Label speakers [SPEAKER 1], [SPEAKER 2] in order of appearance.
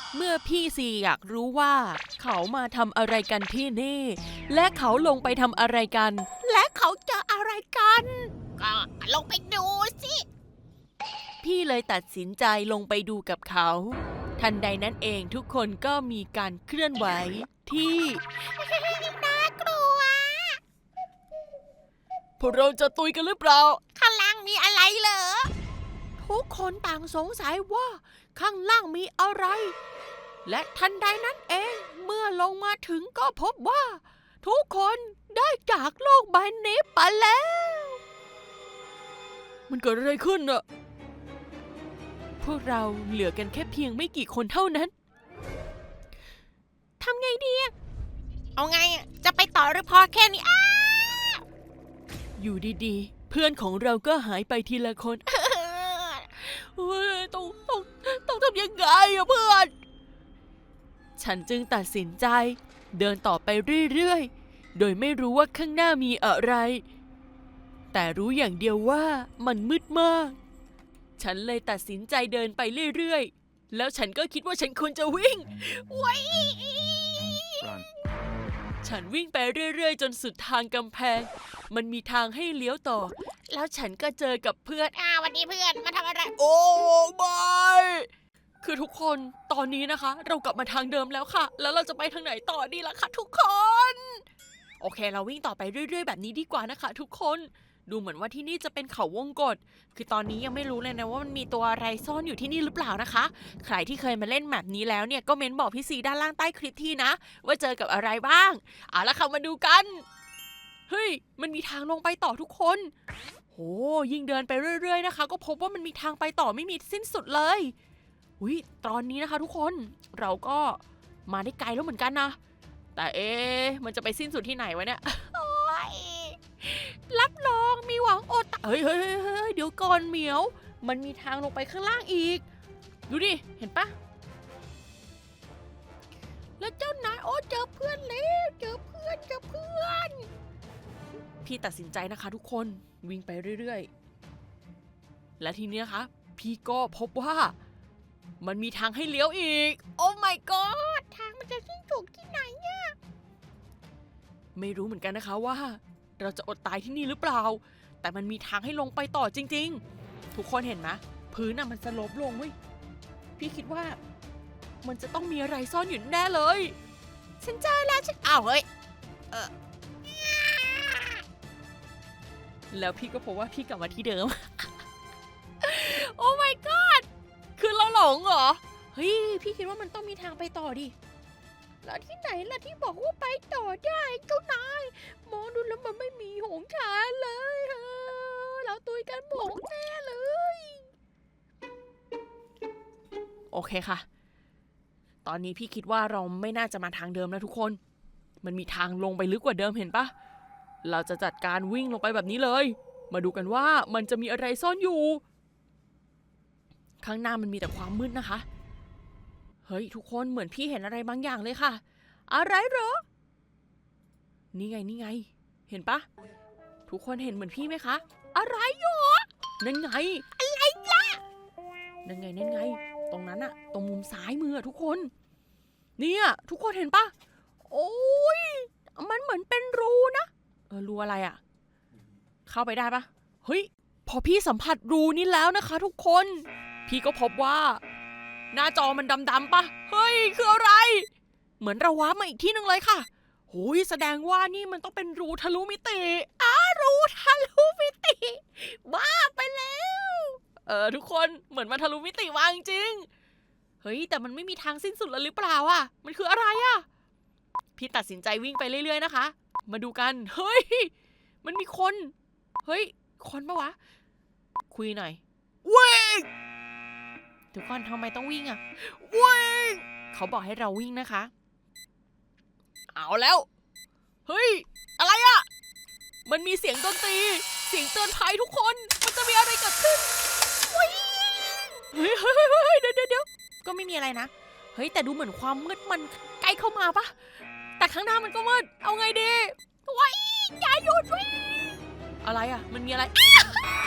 [SPEAKER 1] เมื่อพี่ซีอยากรู้ว่าเขามาทำอะไรกันที่นี่ และเขาลงไปทำอะไรกัน
[SPEAKER 2] และเขาเจออะไรกัน ก็ลงไปดูสิ
[SPEAKER 1] พี่เลยตัดสินใจลงไปดูกับเขา ทันใดนั้นเองทุกคนก็มีการเคลื่อนไหวที่
[SPEAKER 2] น่ากลัว
[SPEAKER 1] พวกเราจะตุยกันหรือเปล่า
[SPEAKER 2] ข้างล่างมีอะไรเหรอ ทุกคนต่างสงสัยว่าข้างล่างมีอะไร และทันใดนั้นเองเมื่อลงมาถึงก็พบว่า ทุกคนได้จากโลกใบนี้ไปแล้ว
[SPEAKER 1] มันเกิดอะไรขึ้นน่ะพวกเราเหลือกันแค่เพียงไม่กี่คนเท่านั้น
[SPEAKER 2] ทำไงดี เอาไงจะไปต่อหรือพอแค่นี้
[SPEAKER 1] อยู่ดีๆเพื่อนของเราก็หายไปทีละคนเฮ้ยต้องทำยังไงอะเพื่อน ฉันจึงตัดสินใจเดินต่อไปเรื่อยๆ โดยไม่รู้ว่าข้างหน้ามีอะไร แต่รู้อย่างเดียวว่ามันมืดมาก ฉันเลยตัดสินใจเดินไปเรื่อยๆ แล้วฉันก็คิดว่าฉันควรจะวิ่ง ฉันวิ่งไปเรื่อยๆ จนสุดทางกำแพง มันมีทางให้เลี้ยวต่อ แล้วฉันก็เจอกับเพื่อน
[SPEAKER 2] วันนี้เพื่อนมาทำอะไร
[SPEAKER 1] โอ้ไม่คือทุกคนตอนนี้นะคะ เรากลับมาทางเดิมแล้วค่ะ แล้วเราจะไปทางไหนต่อดีล่ะคะทุกคน โอเคเราวิ่งต่อไปเรื่อยๆแบบนี้ดีกว่านะคะทุกคนดูเหมือนว่าที่นี่จะเป็นเขาวงกตคือตอนนี้ยังไม่รู้เลยนะว่ามันมีตัวอะไรซ่อนอยู่ที่นี่หรือเปล่านะคะใครที่เคยมาเล่นแบบนี้แล้วเนี่ยก็เม้นบอกพี่ซีด้านล่างใต้คลิปทีนะว่าเจอกับอะไรบ้างเอาละค่ะมาดูกันเฮ้ยมันมีทางลงไปต่อทุกคนโหยิ่งเดินไปเรื่อยๆนะคะก็พบว่ามันมีทางไปต่อไม่มีสิ้นสุดเลยอุ้ยตอนนี้นะคะทุกคนเราก็มาได้ไกลแล้วเหมือนกันนะแต่มันจะไปสิ้นสุดที่ไหนวะเนี่ยรับรองมีหวังอดเฮ้ยเดี๋ยวก่อนเหมียวมันมีทางลงไปข้างล่างอีกดูดิเห็นปะแล้วเจ้านายเจอเพื่อนแล้วเจอเพื่อนพี่ตัดสินใจนะคะทุกคนวิ่งไปเรื่อยๆและทีนี้นะคะพี่ก็พบว่ามันมีทางให้เลี้ยวอีกโอ้ my god
[SPEAKER 2] ทางมันจะสิ้นสุดที่ไหนเนี่ย
[SPEAKER 1] ไม่รู้เหมือนกันนะคะว่าเราจะอดตายที่นี่หรือเปล่าแต่มันมีทางให้ลงไปต่อจริงๆทุกคนเห็นไหมพื้นน่ะมันสโลปลงเว้ยพี่คิดว่ามันจะต้องมีอะไรซ่อนอยู่แน่เลยฉันเจอแล้วเฮ้ยแล้วพี่ก็พบว่าพี่กลับมาที่เดิม โอ้ my god คือเราหลงเหรอเฮ้ยพี่คิดว่ามันต้องมีทางไปต่อดิแล้วที่ไหนล่ะที่บอกว่าไปต่อได้เจ้านายมองดูแล้วมันไม่มีหงชาเลยเราตุยกันหมงแน่เลยโอเคค่ะตอนนี้พี่คิดว่าเราไม่น่าจะมาทางเดิมแล้วทุกคนมันมีทางลงไปลึกกว่าเดิมเห็นปะเราจะจัดการวิ่งลงไปแบบนี้เลยมาดูกันว่ามันจะมีอะไรซ่อนอยู่ข้างหน้ามันมีแต่ความมืดนะคะเฮ้ยทุกคนเหมือนพี่เห็นอะไรบางอย่างเลยค่ะอะไรเหรอนี่ไงเห็นปะทุกคนเห็นเหมือนพี่ไหมคะอะไรหรอนั่นไงอะไรล่ะนั่นไงตรงนั้นอะตรงมุมซ้ายมือทุกคนเนี่ยทุกคนเห็นปะโอ้ยมันเหมือนเป็นรูนะรูอะไรอะเข้าไปได้ปะเฮ้ยพอพี่สัมผัสรูนี้แล้วนะคะทุกคนพี่ก็พบว่าหน้าจอมันดำๆปะเฮ้ยคืออะไรเหมือนเราว้ามาอีกที่นึงเลยค่ะโหยแสดงว่านี่มันต้องเป็นรูทะลุมิติรูทะลุมิติบ้าไปแล้วทุกคนเหมือนมาทะลุมิติมาจริงเฮ้ยแต่มันไม่มีทางสิ้นสุดแล้วหรือเปล่าอ่ะมันคืออะไรอ่ะพี่ตัดสินใจวิ่งไปเรื่อยๆนะคะมาดูกันเฮ้ยมันมีคนเฮ้ยคนปะวะคุยหน่อยวิ่งทุกคนทำไมต้องวิ่งอ่ะวิ่งเขาบอกให้เราวิ่งนะคะเอาแล้วเฮ้ยอะไรอ่ะมันมีเสียงดนตรีเสียงเตือนภัยทุกคนมันจะมีอะไรเกิดขึ้นเฮ้ยเดี๋ยวก็ไม่มีอะไรนะเฮ้ยแต่ดูเหมือนความมืดมันใกล้เข้ามาปะแต่ข้างหน้ามันก็มืดเอาไงดีว้ายอย่าหยุดวิ่งอะไรอ่ะมันมีอะไร